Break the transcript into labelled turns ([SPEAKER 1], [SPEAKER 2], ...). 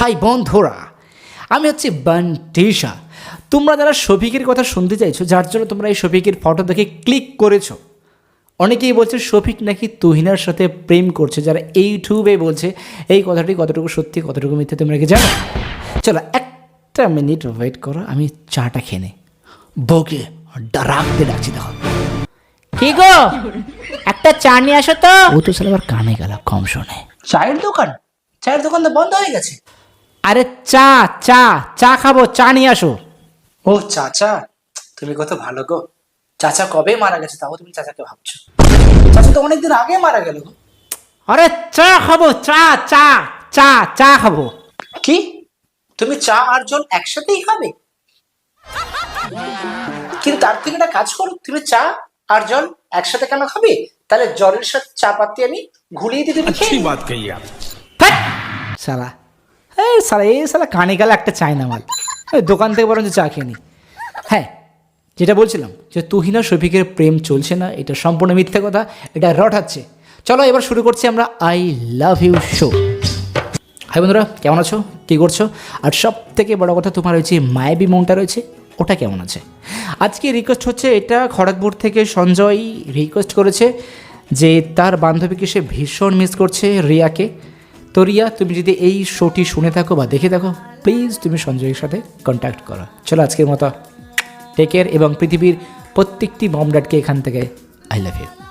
[SPEAKER 1] High বন্ধুরা, আমি হচ্ছে বান্টিশা। তোমরা যারা শফিকের কথা শুনতে চাইছো, যার জন্য তোমরা এই শফিকের ফটো দেখে ক্লিক করেছো, অনেকেই বলছে শফিক নাকি তুহিনার সাথে প্রেম করছে। যারা ইউটিউবে বলছে এই কথাটি কতটুকু সত্যি কতটুকু মিথ্যে তোমরা কি জানো? চলো একটা মিনিট ওয়েট করো, আমি চাটা খেয়ে নেই। বউকে ডাকতে ডাকছি, দেখো কি গো, একটা চা নিয়ে আসো তো। ও তো সালা আবার কানে গেল, কম শোনে।
[SPEAKER 2] চায়ের দোকান? চায়ের দোকান তো বন্ধ হয়ে গেছে।
[SPEAKER 1] আরে চা চা চা খাবো, চা নিয়ে আসো।
[SPEAKER 2] ও চাচা, তুমি কত ভালো গো। চাচা কবে মারা গেছে তাও তুমি চাচাকে ভাবছো? চাচা তো অনেকদিন আগে মারা গেল গো।
[SPEAKER 1] আরে চা খাবো, চা চা চা চা খাবো।
[SPEAKER 2] কি, তুমি চা আর জল একসাথেই খাবে? কিন্তু তার থেকে একটা কাজ করো, তুমি চা আর জল একসাথে কেন খাবে? তাহলে জলের সাথে চা পাতি আমি ঘুরিয়ে দিতে পারি।
[SPEAKER 3] अच्छी बात कही आप।
[SPEAKER 1] সালা এই সালা কানে গেলে একটা চাই না মাল। দোকান থেকে বরঞ্চ চা খেয়ে নি। হ্যাঁ, যেটা বলছিলাম যে তুহিনা শফিকের প্রেম চলছে না, এটা সম্পূর্ণ মিথ্যে কথা, এটা রটাচ্ছে। চলো এবার শুরু করছি আমরা I love you show. Hi বন্ধুরা, কেমন আছো, কী করছো? আর সব থেকে বড় কথা, তোমার ওই যে মায়াবী মনটা রয়েছে ওটা কেমন আছে? আজকে রিকোয়েস্ট হচ্ছে, এটা খড়গপুর থেকে সঞ্জয় রিকোয়েস্ট করেছে যে তার বান্ধবীকে সে ভীষণ মিস করছে, রিয়াকে। তো রিয়া, তুমি যদি এই শোটি শুনে থাকো বা দেখে থাকো, প্লিজ তুমি সঞ্জয়ের সাথে কন্ট্যাক্ট করো। চলো আজকের মতো টেক কেয়ার, এবং পৃথিবীর প্রত্যেকটি মম ড্যাডকে এখান থেকে আই লাভ ইউ।